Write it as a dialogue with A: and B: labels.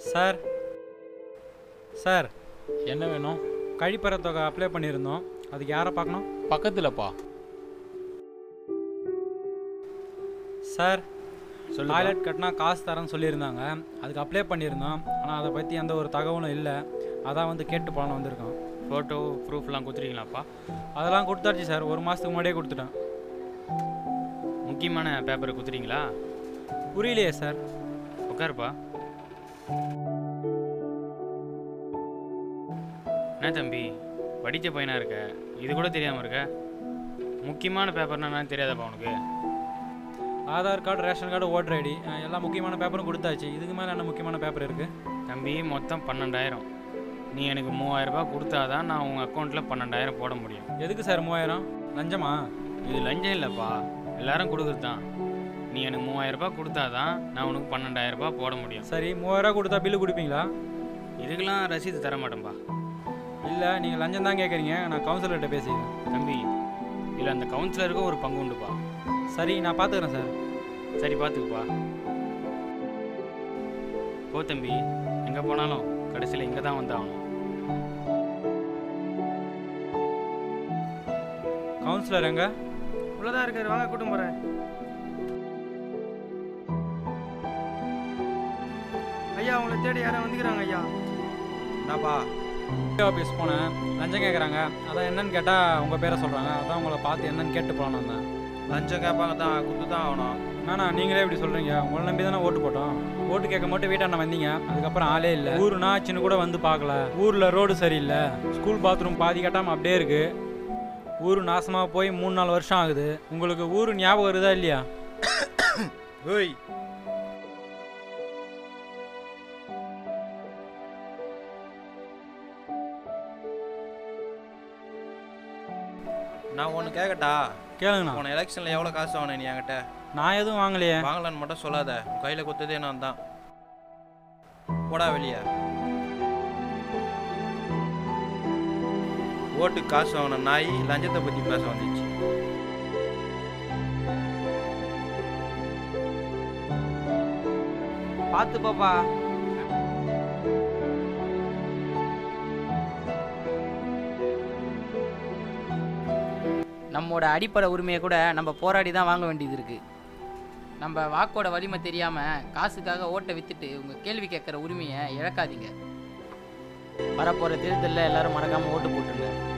A: Sir sir
B: என்ன வேணும்?
A: கழிப்பற தொகை அப்ளை பண்ணியிருந்தோம். அதுக்கு யாரை பார்க்கணும்?
B: பக்கத்துலப்பா.
A: சார்
B: சொல்லு.
A: டாய்லெட் கட்டினா காசு தரேன்னு சொல்லியிருந்தாங்க. அதுக்கு அப்ளை பண்ணியிருந்தோம். ஆனால் அதை பற்றி எந்த ஒரு தகவலும் இல்லை. அதான் வந்து கேட்டு போகலான்னு வந்திருக்கோம்.
B: ஃபோட்டோ ப்ரூஃப்லாம் கொடுத்துருக்கீங்களாப்பா?
A: அதெல்லாம் கொடுத்தாச்சு சார். ஒரு மாதத்துக்கு முன்னாடியே கொடுத்துட்டேன்.
B: முக்கியமான பேப்பரை கொடுத்துறீங்களா?
A: புரியலையே சார்.
B: உட்காருப்பா. என்ன தம்பி படித்த பையனாக இருக்க, இது கூட தெரியாமல் இருக்க? முக்கியமான பேப்பர்னா என்னன்னு தெரியாதப்பா உனக்கு?
A: Aadhaar card, ration card, voter ID எல்லா முக்கியமான பேப்பரும் கொடுத்தாச்சு. இதுக்கு மேலே என்ன முக்கியமான பேப்பர் இருக்குது?
B: தம்பி மொத்தம் 12,000. நீ எனக்கு 3,000 ரூபாய் கொடுத்தாதான் நான் உங்கள் அக்கௌண்ட்டில் 12,000 போட முடியும்.
A: எதுக்கு சார் 3000? லஞ்சமா?
B: இது லஞ்சம் இல்லைப்பா, எல்லாரும் கொடுக்குறது தான். நீ எனக்கு 3,000 ரூபாய் கொடுத்தாதான் நான் உனக்கு 12,000 ரூபாய் போட முடியும்.
A: சரி, 3000 கொடுத்தா பில்லு கொடுப்பீங்களா?
B: இதுக்கெல்லாம் ரசீது தர மாட்டேன்பா.
A: இல்லை, நீங்கள் லஞ்சம் தான் கேட்குறீங்க. நான் கவுன்சிலர்கிட்ட பேசிக்கிறேன்.
B: தம்பி இதில் அந்த கவுன்சிலருக்கும் ஒரு பங்கு உண்டுப்பா.
A: சரி, நான் பார்த்துக்கிறேன் சார்.
B: சரி பார்த்துக்குப்பா. போ தம்பி, எங்கே போனாலும் கடைசியில் இங்கே தான் வந்தாகணும்.
A: கவுன்சிலர் எங்க?
B: உள்ளதான் இருக்காரு, வாங்க கூட்டம் போகிறேன்.
C: ஐயா உங்களை தேடி யாரும் வந்துக்கிறாங்க ஐயா.
A: என்னப்பா? ஆஃபீஸ் போனேன், லஞ்சம் கேட்குறாங்க. அதான் என்னன்னு கேட்டால் உங்கள் பேரை சொல்கிறாங்க. அதான் உங்களை பார்த்து என்னன்னு கேட்டு போகலான்னு வந்தேன்.
C: லஞ்சம் கேட்பாங்க தான், கொடுத்து தான் ஆகணும்.
A: வேணா, நீங்களே இப்படி சொல்கிறீங்க. உங்களை நம்பி தானே ஓட்டு போட்டோம். ஓட்டு கேட்க மட்டும் வீட்டாண்ட வந்தீங்க. அதுக்கப்புறம் ஆளே இல்லை. ஊருனா சின்ன கூட வந்து பார்க்கல. ஊரில் ரோடு சரியில்லை, ஸ்கூல் பாத்ரூம் பாதி கட்டாமல் அப்படியே இருக்குது. ஊர் நாசமாக போய் 3-4 வருஷம் ஆகுது. உங்களுக்கு ஊர் ஞாபகம் வருதா இல்லையா?
C: ஓய், நான் ஒன்று கேட்கட்டா?
A: கேளுங்கண்ணா.
C: போன எலெக்ஷனில் எவ்வளோ காசு வாங்கினேன் நீ என்கிட்ட?
A: நான் எதுவும் வாங்கலையே.
C: வாங்கலான்னு மட்டும் சொல்லாத. உன் கையில் கொடுத்ததே நான் தான். போடா வெளியே. ஓட்டுக்கு காசு வாங்கின நாய் லஞ்சத்தை பற்றி பேச வந்துச்சு.
D: பார்த்து பாப்பா. நம்மோட அடிப்படை உரிமையை கூட நம்ம போராடி தான் வாங்க வேண்டியது இருக்குது. நம்ம வாக்கோட வலிமை தெரியாமல் காசுக்காக ஓட்டை விற்றுட்டு உங்கள் கேள்வி கேட்குற உரிமையை இழக்காதீங்க. வரப்போகிற தேர்தலில் எல்லோரும் மறக்காமல் ஓட்டு போட்டுருங்க.